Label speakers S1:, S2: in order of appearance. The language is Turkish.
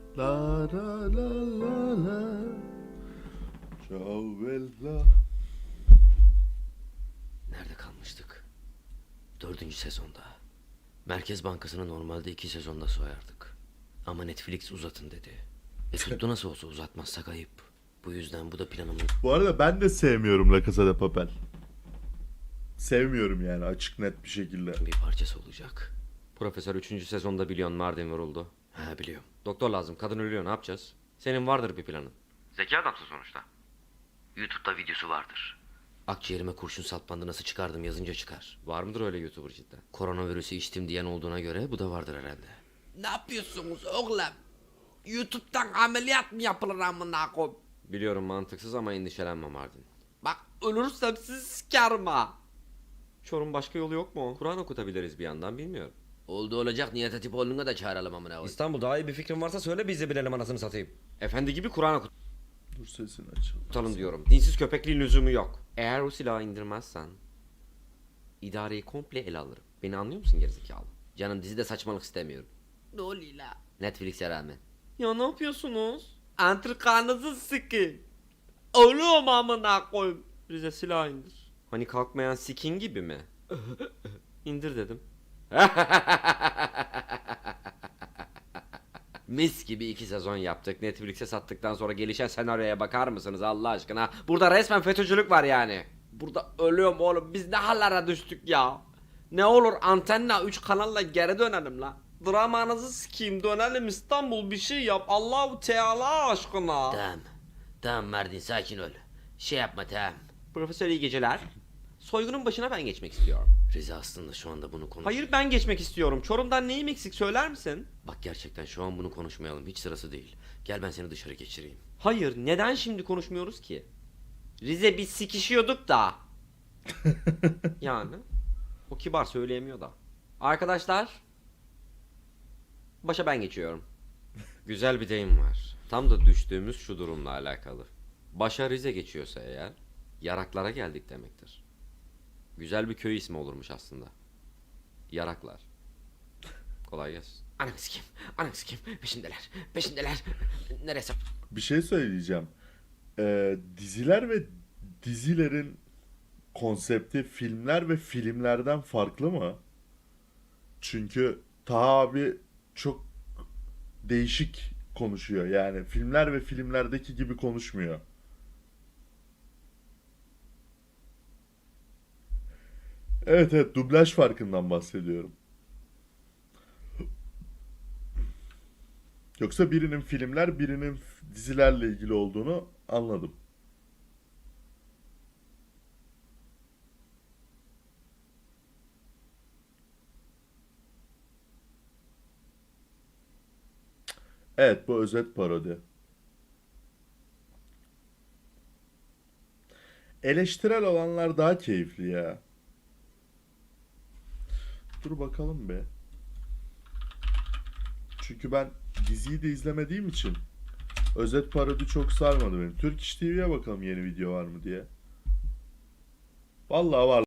S1: La la la la la. Ciao bella.
S2: Nerede kalmıştık? 4. sezonda. Merkez Bankası'nı normalde 2 sezonda soyardık. Ama Netflix uzatın dedi. Tuttu nasıl olsa, uzatmazsak ayıp. Bu yüzden bu da planımın
S1: Bu arada ben de sevmiyorum La Casa de Papel. Sevmiyorum yani, açık net bir şekilde.
S2: bir parçası olacak.
S3: Profesör 3. sezonda biliyorsun Mardin vuruldu.
S2: Ha, biliyorum.
S3: Doktor lazım, kadın ölüyor, ne yapacağız? Senin vardır bir planın.
S2: Zeki adamsın sonuçta. YouTube'da videosu vardır. Akciğerime kurşun saplandı, nasıl çıkardım yazınca çıkar.
S3: Var mıdır öyle YouTuber cidden?
S2: Koronavirüsü içtim diyen olduğuna göre bu da vardır herhalde.
S4: Ne yapıyorsunuz oğlum? YouTube'dan ameliyat mı yapılır amına koyayım?
S3: Biliyorum mantıksız ama endişelenme Mardin.
S4: Bak ölürsem sizi sikerim ha.
S3: Çorum başka yolu yok mu? Kur'an okutabiliriz bir yandan, bilmiyorum.
S2: Oldu olacak, Nihat Hatipoğlu'na da çağıralım amına koyayım.
S5: İstanbul, daha iyi bir fikrin varsa söyle, biz de bilelim anasını satayım.
S3: Efendi gibi Kur'an
S1: Dur sesini açalım.
S3: okutalım diyorum. Dinsiz köpekliğin lüzumu yok. Eğer o silahı indirmezsen idareyi komple ele alırım. Beni anlıyor musun gerizekalı?
S2: Canım, dizide saçmalık istemiyorum.
S4: Ne oluyor la?
S2: Netflix'e rağmen.
S3: Ya ne yapıyorsunuz?
S4: Antrikanızı sikin. Ölüyorum amına koyayım.
S3: Rize silah indir. Hani kalkmayan sikin gibi mi? İndir dedim. Mis gibi 2 sezon yaptık. Netflix'e sattıktan sonra gelişen senaryoya bakar mısınız Allah aşkına? Burada resmen FETÖ'cülük var yani.
S4: Burada ölüyorum oğlum. Biz ne hallere düştük ya? Ne olur antenna 3 kanalla geri dönelim la. Dramanızı sikeyim, dönelim İstanbul, bir şey yap Allahu Teala aşkına.
S2: Tamam. Tamam Mardin, sakin ol. Şey yapma, tamam.
S3: Profesör iyi geceler. Soygunun başına ben geçmek istiyorum.
S2: Rize aslında şu anda bunu konuş...
S3: Hayır, ben geçmek istiyorum. Çorum'dan neyim eksik söyler misin?
S2: Bak, gerçekten şu an bunu konuşmayalım. Hiç sırası değil. Gel, ben seni dışarı geçireyim.
S3: Hayır, neden şimdi konuşmuyoruz ki? Rize, biz sikişiyorduk da. Yani o kibar söyleyemiyor da. Arkadaşlar, başa ben geçiyorum. Güzel bir deyim var. Tam da düştüğümüz şu durumla alakalı. Başa Rize geçiyorsa eğer, Yaraklara geldik demektir. Güzel bir köy ismi olurmuş aslında. Yaraklar. Kolay gelsin.
S2: Ananı sikeyim. Ananı sikeyim. Peşindeler. Peşindeler. Neresi?
S1: Bir şey söyleyeceğim. Diziler ve dizilerin konsepti filmler ve filmlerden farklı mı? Çünkü Taha abi çok değişik konuşuyor. Yani filmler ve filmlerdeki gibi konuşmuyor. Evet evet, dublaj farkından bahsediyorum. Yoksa birinin filmler, birinin dizilerle ilgili olduğunu anladım. Evet, bu özet parodi. Eleştirel olanlar daha keyifli ya. Dur bakalım be. Çünkü ben diziyi de izlemediğim için özet parodi çok sarmadı beni. Turkish TV'ye bakalım yeni video var mı diye. Vallahi var.